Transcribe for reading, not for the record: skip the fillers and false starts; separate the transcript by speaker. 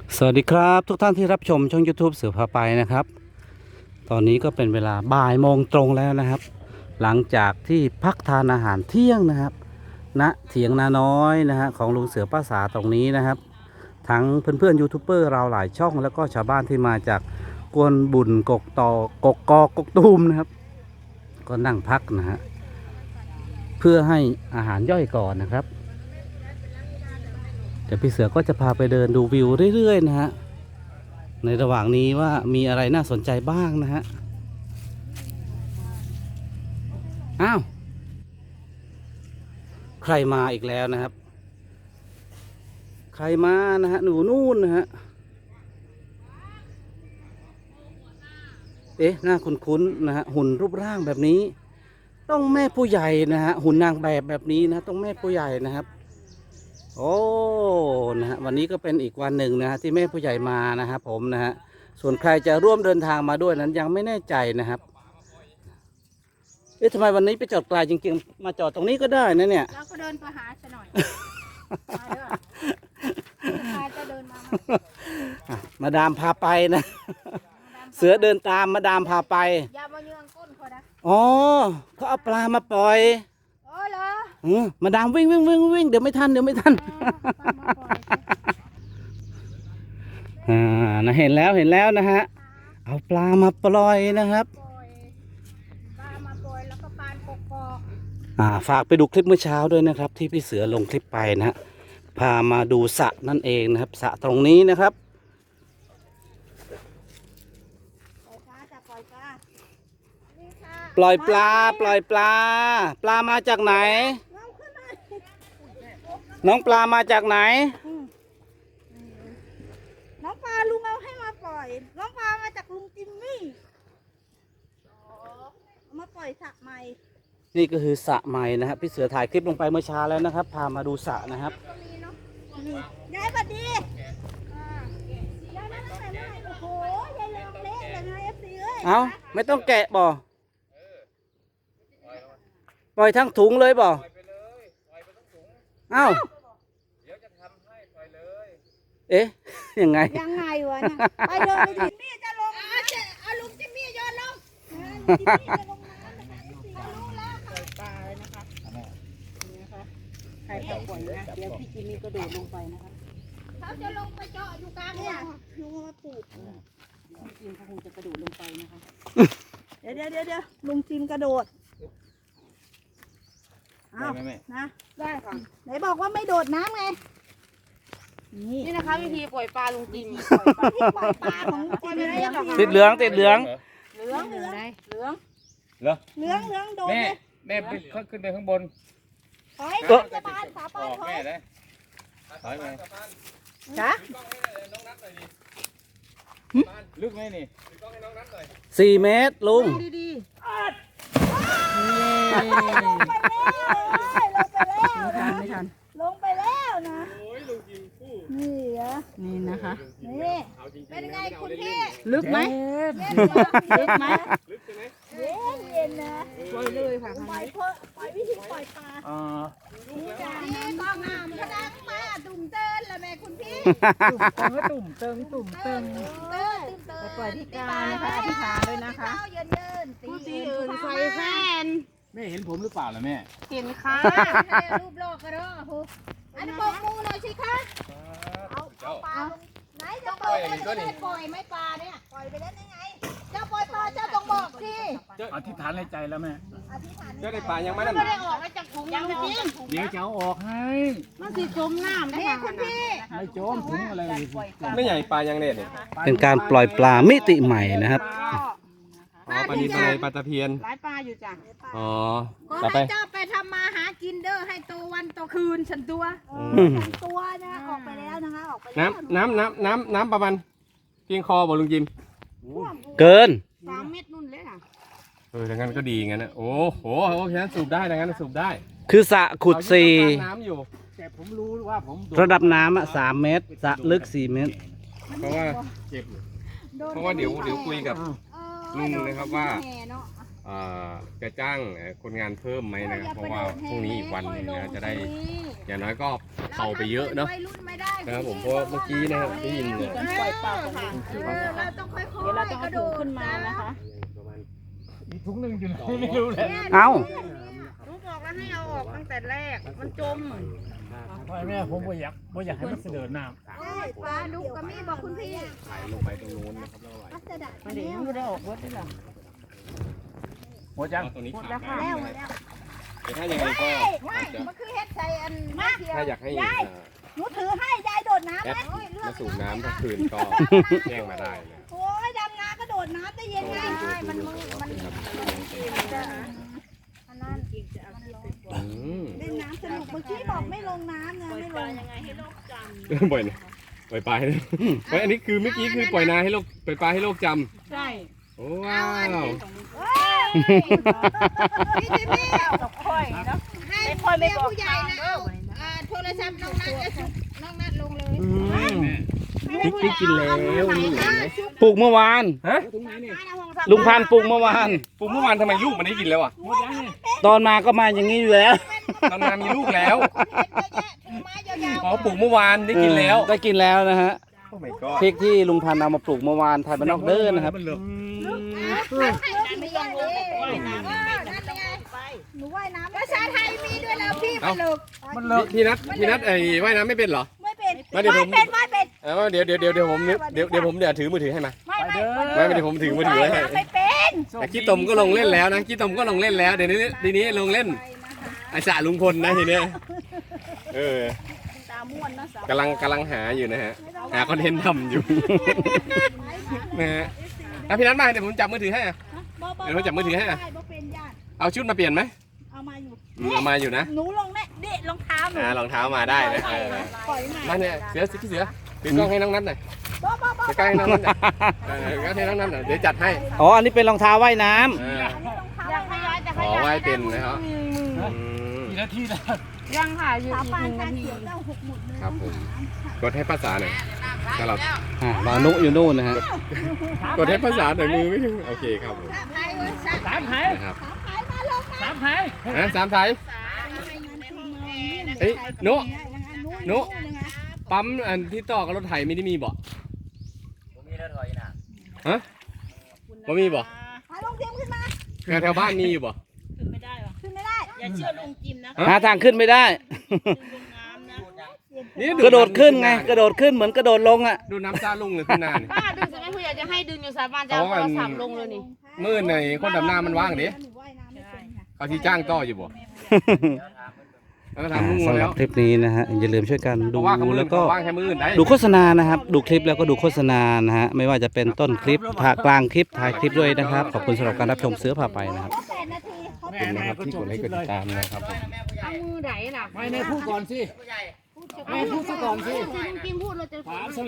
Speaker 1: สวัสดีครับทุกท่านที่รับชมช่อง YouTube เสือพาไปนะครับตอนนี้ก็เป็นเวลาบ่ายโมงตรงแล้วนะครับหลังจากที่พักทานอาหารเที่ยงนะครับณเถียงนาน้อยนะฮะของลุงเสือป้าสาตรงนี้นะครับทั้งเพื่อนๆยูทูบเบอร์เราหลายช่องแล้วก็ชาวบ้านที่มาจากกวนบุญกกตอกกกอกกตูมนะครับก็นั่งพักนะฮะเพื่อให้อาหารย่อยก่อนนะครับเดี๋ยวพี่เสือก็จะพาไปเดินดูวิวเรื่อยๆนะฮะในระหว่างนี้ว่ามีอะไรน่าสนใจบ้างนะฮะอ้าวใครมาอีกแล้วนะครับใครมานะฮะหนูนู่นนะฮะเอ๊ะหน้าคุ้นๆนะฮะหุ่นรูปร่างแบบนี้ต้องแม่ผู้ใหญ่นะฮะหุ่นนางแบบนี้นะต้องแม่ผู้ใหญ่นะครับโอ้นะฮะวันนี้ก็เป็นอีกวันหนึ่งนะฮะที่แม่ผู้ใหญ่มานะครับผมนะฮะส่วนใครจะร่วมเดินทางมาด้วยนั้นยังไม่แน่ใจนะครับเอ๊ะทำไมวันนี้ไปจอดไกลจริงๆมาจอดตรงนี้ก็ได้นะเนี่ย
Speaker 2: เราก็เดินไปหาซะหน่อยมาเด้อมาจะเดินมา
Speaker 1: มาดามพาไปนะเสือเดินตามมาดามพาไป
Speaker 2: อย่ามาเยืองก้นเขานะ
Speaker 1: อ๋อเขาเอาปลามาปล่อย
Speaker 2: โอ้เหรอ
Speaker 1: มาดามวิ่งเดี๋ยวไม่ทันนะเห็นแล้วนะฮะเอาปลามาปล่อยนะครับ
Speaker 2: ปลามาปล่อยแล้วก็ปานกกอก
Speaker 1: ฝากไปดูคลิปเมื่อเช้าด้วยนะครับที่พี่เสือลงคลิปไปนะฮะพามาดูสระนั่นเองนะครับสระตรงนี้นะครับปล่อยปลาปลามาจากไหนน้องปลามาจากไหน
Speaker 2: น้องปลาลุงเอาให้มาปล่อยน้องปลามาจากลุงจิมมี่มาปล่อยสระใหม่
Speaker 1: นี่ก็คือสระใหม่นะครับพี่เสือถ่ายคลิปลงไปเมื่อเช้าแล้วนะครับพามาดูสระนะครับ
Speaker 2: ยายบัดดียายมาตั้งแต่เมื่อไหร่โอ้โหยายเลี้ยงเละเลยนะเอฟซีเอ้ย
Speaker 1: เอาไม่ต้องแกะบ่ปล่อยทั้งถุงเลยบ่เอ้าเอ๊ะยังไง
Speaker 2: วะนะไปเลยจิมมี่จะลงเอาลุงจิมมี่โยนลงลุงจิมมี่จะลงน้ำนะคะรู้แล้วปล่อยปลาเลยนะคะนี่นะคะใครจะปล่อยนะเดี๋ยวพี่จิมมี่กระโดดลงไปนะคะเขาจะลงไปเจาะอยู่กลางเนี่ยลุงมาปลูกลุงจิมเขาคงจะกระโดดลงไปนะคะเดี๋ยวลุงจิมกระโดดอ้าวนะได้ค่ะไหนบอกว่าไม่โดดน้ำไง
Speaker 3: นี่นะคะวิธีปล่อยปลาลุงจิม
Speaker 2: ปล่อยปลาของลุงจิมอะไรอย่างเงี้ย
Speaker 1: ติดเหลือง
Speaker 2: เหลืองโดน
Speaker 4: แม่ขึ้นไปข้างบน
Speaker 2: ถอยจะบานสาปานถอย
Speaker 4: เลยถอยไป
Speaker 2: จ้ะ
Speaker 4: ลึกไหมนี่
Speaker 1: 4 เมตรลุง
Speaker 2: ดีลงไปแล้วนะนี่เหรอ
Speaker 3: นี่นะคะ
Speaker 2: นี่เป็นไงคุณพี่
Speaker 3: ลึกไหม
Speaker 2: ลึกใช่ไหมเย็นนะ
Speaker 3: ปล่อยเลยค่ะ
Speaker 2: ปล่อยวิธีปล่อยปลานี่ต้องน้ำพนังมาตุ่มเติ้นละแม่คุณพี่
Speaker 3: ตุ่มเติงไปปล่อยที่กานะคะอธิษฐานด้วยนะคะ
Speaker 2: ผู้ตีอื่น
Speaker 3: ไฟแฟน
Speaker 4: แม่เห็นผมหรือเปล่าล่ะแม่
Speaker 3: เห็นค่ะ
Speaker 2: รูปโลกกระโดดอันนี้บอกมูหน่อยสิคะเอาปลาไหนจะปล่อยก็ได้ปล่อยไม่ปลาเนี่ยปล่อยไปแล้วได้ไงเจ้าปล่อยปลาเจ้าต้องบอกสิ
Speaker 4: อธิษฐานในใจแล้วแม่
Speaker 2: เจ้า
Speaker 4: ได้ปลายังไม่
Speaker 3: ได้ออกมาจากถุงยังจริง
Speaker 4: เดี๋ยวจะเอาออกให้
Speaker 3: มันสิจมน้ำได้
Speaker 2: คุณพี่
Speaker 4: ไม่จมถุงอะไรไม่ใหญ่ปลายังเนี่ย
Speaker 1: เป็นการปล่อยปลามิติใหม่นะครับ
Speaker 4: ปลาดีปลาตะเพียน
Speaker 3: หลายปลาอยู่จ้ะ
Speaker 4: อ๋อ
Speaker 2: ก็ให้เจ้าไปทำมาหากินเด้อให้โตวันโตคืนฉันตัวนะออกไปแล้วนะคะออกไป
Speaker 4: น้ำประมาณเพียงคอบอกลุงจิม
Speaker 1: เกิน
Speaker 3: 3 เม็ดนุ่นเลยค่ะ
Speaker 4: ดังนั้นก็ดีงั้นนะโอ้โหโอเคสูบได้ดังนั้นสูบได้
Speaker 1: คือสระขุด
Speaker 4: น้ำอยู่แต่ผมรู้ว่าผม
Speaker 1: ระดับน้ำ3 เมตรสระลึก4 เมตร
Speaker 4: เพราะว่าเจ็บเพราะว่าเดี๋ยวคุยกับลุงเลยครับว่าจะจ้างคนงานเพิ่มไหมนะครับเพราะว่าพรุ่งนี้อีกวันหนึงนะจะได้อย่างน้อยก็เผาไปเยอะเนาะนะครับผมเพราะเมื่อกี้นะครับได้ยินเนี่ย
Speaker 3: กันปล่อยปลาของมัน
Speaker 2: เราต้องค่อยๆ
Speaker 3: เดี๋ยวเราต้องเอาถุงขึ้นมานะคะ
Speaker 5: อีกถุงหนึ่งอยู่ไหนไม่รู้เลย
Speaker 1: เอ้า
Speaker 2: หนูบอกแล้วให้เอาออกตั้งแต่แรกมันจม
Speaker 5: พ่อแม่ผมบ่อยากให้มันเสด็จน้
Speaker 2: ปลาดุกกับมีบอกคุณพี่
Speaker 4: ไหลลงไปตรงนู้นนะครับแล้วไหล
Speaker 3: มันเดี๋ยวยังไม่ได้ออกรถด้วยหรอ
Speaker 5: ำหัวจัง
Speaker 4: ตรงนี้ขาด
Speaker 2: แล้ว
Speaker 4: น้ำ
Speaker 2: แล้ว
Speaker 4: นะแต่ถ้ายังไงก็อาจจะ
Speaker 2: มันคือเฮ็ดใส่อันมาเทีย
Speaker 4: ถ้าอยากให้
Speaker 2: หนูถือให้ยายโดดน้ำ
Speaker 4: แอ
Speaker 2: ไหม
Speaker 4: ดมาสูบน้ำทั้งคืนก็แจ้งมาได้นะ
Speaker 2: โอ้ยดำน้ำก็โดดน้ำได้เย็นไงมันมือมันอันนั้น
Speaker 4: อืม
Speaker 2: เล่นน้ำสนุกเมื่อกี้บอกไม่ลงน้ำนะไม่ลง
Speaker 4: บ่อยนะปล่อยปลาให้เฮ้ยอันนี้คือเมื่อกี้คือปล่อยนาให้โลกปล่อยปลาให้โลกจ
Speaker 3: ใช่
Speaker 4: ำโอ้ว้าว
Speaker 2: พี่จิมมี่
Speaker 3: ตกค่อยเนาะ
Speaker 2: ให้พ่อแม่ผู้ใหญ่นะเอาโทรศัพท์น้องนัทจะสุกน้องนัทลงเลย
Speaker 4: พริกกินแล้วนี่เห็นไหม
Speaker 1: ปลูกเมื่อวาน
Speaker 4: ฮะ
Speaker 1: ลุงพันธุ์ปลูกเมื่อวาน
Speaker 4: ปลูกเมื่อวานทำไมลูกมันได้กินแล้วอ่ะ
Speaker 1: ตอนมาก็มาอย่างนี้อยู่แล้ว
Speaker 4: ตอนนามีลูกแล้ว
Speaker 2: ถือไม้ยาว
Speaker 4: อ๋อปลูกเมื่อวานได้กินแล้ว
Speaker 1: ได้กินแล้วนะฮะ
Speaker 4: โอ้ my god
Speaker 1: พริกที่ลุงพันธุ์เอามาปลูกเมื่อวานไทยบ้านนอกเด้อนะครับ
Speaker 4: มันเหลือ
Speaker 2: ๆไม่ยังเลยนั่นไงหนูว่ายน้ำภาษาไทยมีด้วยแล้วพี่มันลึก
Speaker 5: มันเลิก
Speaker 4: พี่นัทไอ้ว่ายน้ำไม่เป็นเหรอ
Speaker 2: ไม่เป็น
Speaker 4: มาเดี๋ยวผม
Speaker 2: ไม่เป็น
Speaker 4: เดี๋ยวผมถือมือถือให้มา
Speaker 2: ไม่
Speaker 5: ไป
Speaker 2: ไม่
Speaker 5: เด้อ
Speaker 4: ไม่เดี๋ยวผมถือมือถือไว้ให้
Speaker 2: ไม่เป็น
Speaker 4: แต่ขี้ตมก็ลงเล่นแล้วนะขี้ตมก็ลงเล่นแล้วเดี๋ยวนี้ทีนี้ลงเล่นไอ้สระลุงพลนะทีเนี้ย
Speaker 3: ตาม่วนนะสาว
Speaker 4: กำลังหาอยู่นะฮะหาคอนเทนต์ทำอยู่ นะฮะพี่นัทมาเดี๋ยวผมจับมือถือให้อะ เดี๋ยวเราจับมือถือให้อะ
Speaker 2: บ่เป็นญาติ
Speaker 4: เอาชุดมาเปลี่ยนไหม
Speaker 2: เอามาอยู่
Speaker 4: เอามาอยู่นะ
Speaker 2: หนูลงแน่เด็ดรองเท้าหนู
Speaker 4: รองเท้ามาได้นะ
Speaker 2: ปล่อยมา
Speaker 4: มาเนี่ยพี่เสือถือกล้องให้น้องนัทหน่อย
Speaker 2: บ่บ่บ่
Speaker 4: ถือกล้องให้น้องนัทหน่อยก็ให้น้องนัทหน่อยเดี๋ยวจัดให้
Speaker 1: อ๋อ อันนี้เป็นรองเท้าว่ายน้ำ
Speaker 2: อยากให้ย้ายจะ
Speaker 4: ขอไหว้เป็นนะครับ
Speaker 5: กี่นาทีแล้ว
Speaker 3: ยังหาอยู่
Speaker 2: สา
Speaker 3: อีก
Speaker 2: ปาน
Speaker 3: 1
Speaker 2: ตา
Speaker 3: นาที
Speaker 2: เขียวเจ้าหกหมุดเลย
Speaker 4: ครับผมกดให้ภาษาหน่อยถ้าเรา
Speaker 1: บานุอยู่นู่นนะฮะ
Speaker 4: กดให้ภาษาหน่อยมือไม่ถึงโอเคครับผม
Speaker 2: สาพายเว้ยสา
Speaker 5: สามไผ่
Speaker 4: นะครับ
Speaker 2: พายมาลงมา
Speaker 5: สามไผ่
Speaker 4: สามไทย เอ้ยโน้ โน้ปั๊มอันที่ต่อกับรถไถไม่ได้มีบ่ฮะบ่มีบ่
Speaker 2: พายลงเทียมขึ้นมา
Speaker 4: แถวบ้านมีอยู่บ่
Speaker 3: ขึ้นไม่ได้หรอ
Speaker 2: ขึ้นไม่ได้
Speaker 3: อย่าเชื่อลุงจิมนะ
Speaker 1: หาทางขึ้นไม่ได้
Speaker 3: ลุงงามนะ
Speaker 4: นี่
Speaker 1: กระโดดขึ้นไง กระโดดขึ้นเหมือนกระโดดลงอ่ะ
Speaker 4: ดูน้ำซาลุงเลยขึ้นหน้านี่
Speaker 3: ป้าดึงจะไม่คุยอยากจะให้ดึงอยู่สาบานจะเอาโทรศัพท์ลงเลยนี่
Speaker 4: มื้อในคนดำน้ำมันว่างดิ
Speaker 2: หนูว่ายน้ำไม่เป็นค่ะ
Speaker 4: เขาที่จ้างต่ออยู่บ่แล้วก็ถามลุง
Speaker 1: สำห
Speaker 4: แล้
Speaker 1: รับ
Speaker 4: ว
Speaker 1: คลิปนี้นะฮะ อย่าลืมช่วยกัน
Speaker 4: บ
Speaker 1: ดู
Speaker 4: อกว่าเขา
Speaker 1: แล้วก็
Speaker 4: ว่างแค่มื้ออื่นได้
Speaker 1: ดูโฆษณานะครับ ดูคลิปแล้วก็ดูโฆษณานะฮะ ไม่ว่าจะเป็นต้นคลิปกลางคลิปถ่ายคลิปด้วยนะครับ ขอบคุณสำหรับการรับชมเสือผ่าไปนะครับ
Speaker 2: 8 นาทีเขา
Speaker 4: ขอบคุณนะครับที่กดไลค์กดติดตามนะครับผม
Speaker 3: เอามือไหนล่ะ
Speaker 5: ไม่ในพูดก่อนสิไม่พูดซะก่อนสิ
Speaker 3: ลุงจิมพูดเราจะ
Speaker 5: ถาม